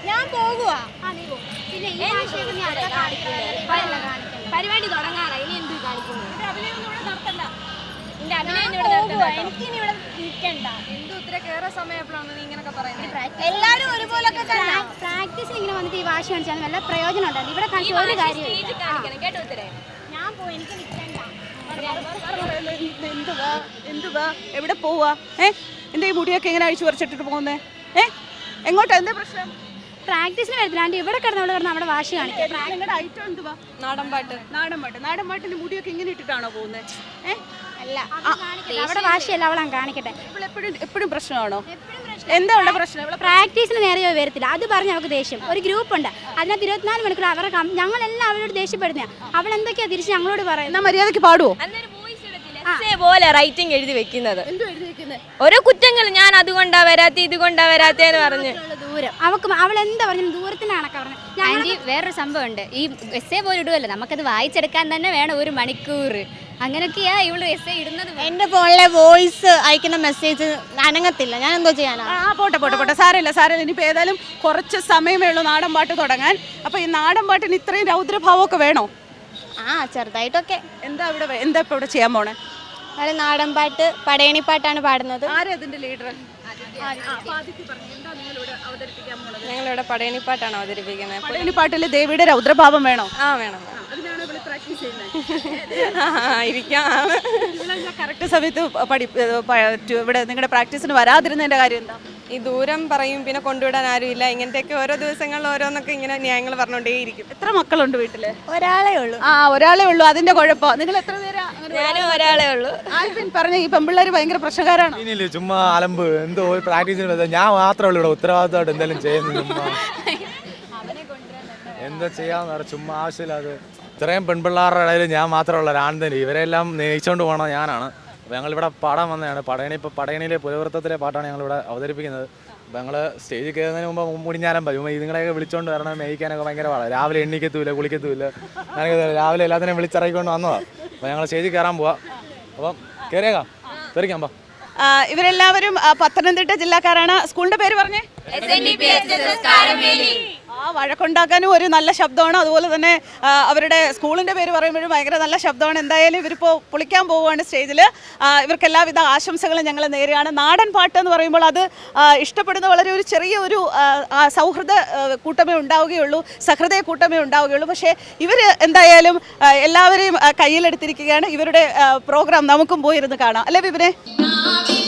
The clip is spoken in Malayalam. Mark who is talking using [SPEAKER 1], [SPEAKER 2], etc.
[SPEAKER 1] ഞാൻ പോകുവാ.
[SPEAKER 2] പിന്നെ ഈ പരിപാടി തുടങ്ങാറായി. ഇനി എന്ത് കാണിക്കുന്നു?
[SPEAKER 1] എനിക്കിനി ഇവിടെ നിൽക്കണ്ട.
[SPEAKER 2] എല്ലാരും ഒരുപോലെ പ്രാക്ടീസിന് ഇങ്ങനെ വന്നിട്ട് ഈ വാശി കാണിച്ചാൽ വല്ല പ്രയോജനം ഉണ്ടായിരുന്നു. ഇവിടെ കാണിച്ച ഒരു കാര്യം കേട്ടോ.
[SPEAKER 1] ഞാൻ പോയി, എനിക്ക് നിൽക്കണ്ട.
[SPEAKER 3] എന്തുവാ എവിടെ പോവാ? എന്താ ഈ മുടിയൊക്കെ ഇങ്ങനെ അഴിച്ചു പറിച്ചിട്ടിട്ട് പോകുന്നേ? എങ്ങോട്ടാ? എന്താ പ്രശ്നം?
[SPEAKER 2] പ്രാക്ടീസിന് വരത്തില്ല. ഇവിടെ കിടന്ന് അവിടെ വാശി കാണിക്കാം.
[SPEAKER 3] നിങ്ങളുടെ ഐറ്റം എന്തുവാ? നാടൻ മുടിയൊക്കെ ഇങ്ങനെ ഇട്ടിട്ടാണോ പോകുന്നത്?
[SPEAKER 2] അല്ല, അവിടെ വാശിയല്ല, അവളെ കാണിക്കട്ടെ.
[SPEAKER 3] എപ്പോഴും പ്രശ്നമാണോ? എന്താ ഉള്ള പ്രശ്നം?
[SPEAKER 2] പ്രാക്ടീസിന് നേരെ വരത്തില്ല. അത് പറഞ്ഞ് അവൾക്ക് ദേഷ്യം. ഒരു ഗ്രൂപ്പ് ഉണ്ട്, അതിനകത്ത് 24 മണിക്കൂർ അവരെ ഞങ്ങളെല്ലാം അവരോട് ദേഷ്യപ്പെടുന്ന. അവൾ എന്തൊക്കെയാ തിരിച്ച് ഞങ്ങളോട് പറയുന്നത്?
[SPEAKER 3] മര്യാദക്ക് പാടുവോ?
[SPEAKER 4] പോലെ റൈറ്റിംഗ് എഴുതി വെക്കുന്നത് ഓരോ കുറ്റങ്ങൾ. ഞാൻ അതുകൊണ്ടാ വരാത്ത ഇതുകൊണ്ടാ വരാത്തേന്ന് പറഞ്ഞു.
[SPEAKER 2] ദൂരം അവൾ എന്താ പറഞ്ഞു? ദൂരത്തിന്റെ കണക്കാ പറഞ്ഞത്.
[SPEAKER 5] ആൻറ്റി, വേറൊരു സംഭവമുണ്ട്. ഈ എസ്സേ പോലെ ഇടുമല്ലോ, നമുക്കത് വായിച്ചെടുക്കാൻ തന്നെ വേണം 1 മണിക്കൂർ. അങ്ങനെയൊക്കെയാ ഇവള് എസ്സേ ഇടുന്നത്.
[SPEAKER 1] എന്റെ ഫോണിലെ വോയിസ് അയക്കുന്ന മെസ്സേജ് അനങ്ങത്തില്ല. ഞാൻ എന്തോ ചെയ്യാനാ?
[SPEAKER 3] പോട്ടെ. സാരമില്ല. ഇനിയിപ്പോൾ ഏതായാലും കുറച്ച് സമയമേ ഉള്ളൂ നാടൻ പാട്ട് തുടങ്ങാൻ. അപ്പോൾ ഈ നാടൻ പാട്ടിന് ഇത്രയും രൗദ്രഭാവമൊക്കെ വേണോ?
[SPEAKER 1] ചെറുതായിട്ടൊക്കെ.
[SPEAKER 3] എന്താ ഇപ്പോൾ ഇവിടെ ചെയ്യാൻ പോണേ?
[SPEAKER 1] അത് നാടൻ പാട്ട്, പടയണിപ്പാട്ടാണ് പാടുന്നത്.
[SPEAKER 3] ആരാ അതിന്റെ ലീഡർ?
[SPEAKER 4] ഞങ്ങളിവിടെ പടയണിപ്പാട്ടാണ് അവതരിപ്പിക്കുന്നത്.
[SPEAKER 3] പടയണിപ്പാട്ടിൽ ദേവിയുടെ രൗദ്രഭാവം വേണോ?
[SPEAKER 4] വേണം.
[SPEAKER 3] കറക്റ്റ് സമയത്ത് ഇവിടെ നിങ്ങളുടെ പ്രാക്ടീസിന് വരാതിരുന്നതിന്റെ കാര്യം എന്താ?
[SPEAKER 4] ഈ ദൂരം പറയും, പിന്നെ കൊണ്ടുവിടാൻ ആരുമില്ല. ഇങ്ങനത്തെയൊക്കെ ഓരോ ദിവസങ്ങളിൽ ഓരോന്നൊക്കെ ഇങ്ങനെ ന്യായങ്ങൾ പറഞ്ഞുകൊണ്ടേയിരിക്കും.
[SPEAKER 3] എത്ര മക്കളുണ്ട് വീട്ടില്?
[SPEAKER 1] ഒരാളേ ഉള്ളൂ.
[SPEAKER 3] ഒരാളേ ഉള്ളൂ. അതിന്റെ കുഴപ്പം. നിങ്ങൾ എത്ര പേരാ?
[SPEAKER 4] ഞാനും ഒരാളേ ഉള്ളൂ.
[SPEAKER 3] ആൽവിൻ പറഞ്ഞ ഈ പെമ്പിള്ളേര് ഭയങ്കര പ്രശ്നക്കാരാണ്.
[SPEAKER 6] ഇനിയില്ലേ ചുമ്മാ അലമ്പ്. എന്തോ പ്രാക്ടീസിന് ഞാൻ മാത്രമേ ഉള്ളൂ ഇവിടെ ഉത്തരവാദിത്തമായിട്ട് എന്തെങ്കിലും ചെയ്യുന്നത്. ചുമ്മാ എന്താ ചെയ്യാന്ന് പറ, ചുമ്മാ ആവശ്യമില്ലാതെ. ഇത്രയും പെൺപിള്ളേരുടെ ഇടയിൽ ഞാൻ മാത്രമുള്ള ഒരാൺതന്നെ. ഇവരെല്ലാം നയിച്ചുകൊണ്ട് പോകണം ഞാനാണ്. അപ്പോൾ ഞങ്ങളിവിടെ പാടാൻ വന്നതാണ്. പടയണിയിലെ പുരവൃത്തത്തിലെ പാട്ടാണ് ഞങ്ങളിവിടെ അവതരിപ്പിക്കുന്നത്. അപ്പോൾ ഞങ്ങൾ സ്റ്റേജിൽ കയറുന്നതിന് മുമ്പ് മുടിഞ്ഞാലും പറ്റും. ഇതുങ്ങളെയൊക്കെ വിളിച്ചുകൊണ്ട് വരണം. മേയിക്കാനൊക്കെ ഭയങ്കര പാടാണ്. രാവിലെ എണ്ണിക്കത്തൂല, കുളിക്കത്തൂല. ഞാനൊക്കെ രാവിലെ എല്ലാത്തിനെയും വിളിച്ചിറക്കിക്കൊണ്ട് വന്നതാണ്. അപ്പോൾ ഞങ്ങൾ സ്റ്റേജിൽ കയറാൻ പോവാം. അപ്പം കയറിയേക്കാം, തെറിക്കാം. അപ്പം
[SPEAKER 3] ഇവരെല്ലാവരും പത്തനംതിട്ട ജില്ലക്കാരാണ്. സ്കൂളിന്റെ പേര് പറഞ്ഞേ? വഴക്കുണ്ടാക്കാനും ഒരു നല്ല ശബ്ദമാണ്. അതുപോലെ തന്നെ അവരുടെ സ്കൂളിൻ്റെ പേര് പറയുമ്പോഴും ഭയങ്കര നല്ല ശബ്ദമാണ്. എന്തായാലും ഇവരിപ്പോൾ പൊളിക്കാൻ പോവുകയാണ് സ്റ്റേജിൽ. ഇവർക്ക് എല്ലാവിധ ആശംസകളും ഞങ്ങൾ നേരെയാണ്. നാടൻ പാട്ട് എന്ന് പറയുമ്പോൾ അത് ഇഷ്ടപ്പെടുന്ന വളരെ ഒരു ചെറിയ ഒരു സൗഹൃദ കൂട്ടമേ ഉണ്ടാവുകയുള്ളൂ, സഹൃദയ കൂട്ടമേ ഉണ്ടാവുകയുള്ളൂ. പക്ഷേ ഇവർ എന്തായാലും എല്ലാവരെയും കയ്യിലെടുത്തിരിക്കുകയാണ്. ഇവരുടെ പ്രോഗ്രാം നമുക്കും പോയിരുന്ന് കാണാം, അല്ലേ വിപിനെ?